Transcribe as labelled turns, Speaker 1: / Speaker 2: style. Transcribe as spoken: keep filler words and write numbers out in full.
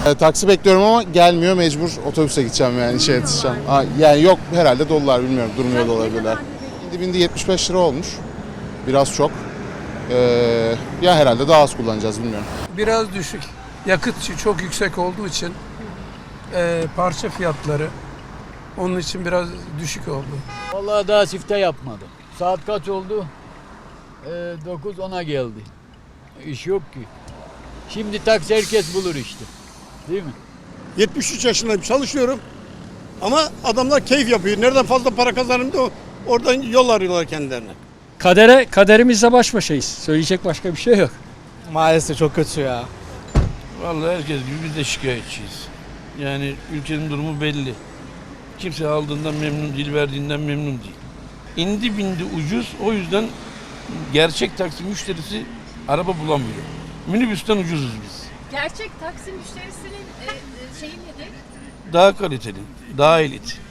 Speaker 1: E, taksi bekliyorum ama gelmiyor, mecbur otobüse gideceğim yani işe yetişeceğim. Aa, yani yok herhalde dolular, bilmiyorum, durmuyor da olabilirler. Bindi bindi yetmiş beş lira olmuş. Biraz çok. Ee, ya herhalde daha az kullanacağız, bilmiyorum.
Speaker 2: Biraz düşük. Yakıt çok yüksek olduğu için e, parça fiyatları onun için biraz düşük oldu.
Speaker 3: Vallahi daha sifte yapmadım. Saat kaç oldu? Ee, dokuz ona geldi. İş yok ki. Şimdi taksi herkes bulur işte. Değil mi?
Speaker 4: yetmiş üç yaşındayım, çalışıyorum. Ama adamlar keyif yapıyor. Nereden fazla para kazanırım da oradan yol arıyorlar kendilerine.
Speaker 5: Kadere, kaderimizle baş başayız. Söyleyecek başka bir şey yok.
Speaker 6: Maalesef çok kötü ya.
Speaker 7: Vallahi herkes gibi biz de şikayetçiyiz. Yani ülkenin durumu belli. Kimse aldığından memnun değil, verdiğinden memnun değil. İndi bindi ucuz, o yüzden gerçek taksi müşterisi araba bulamıyor. Minibüsten ucuzuz biz.
Speaker 8: Gerçek taksi müşterisinin e, e, şeyi nedir?
Speaker 7: Daha kaliteli, daha elit.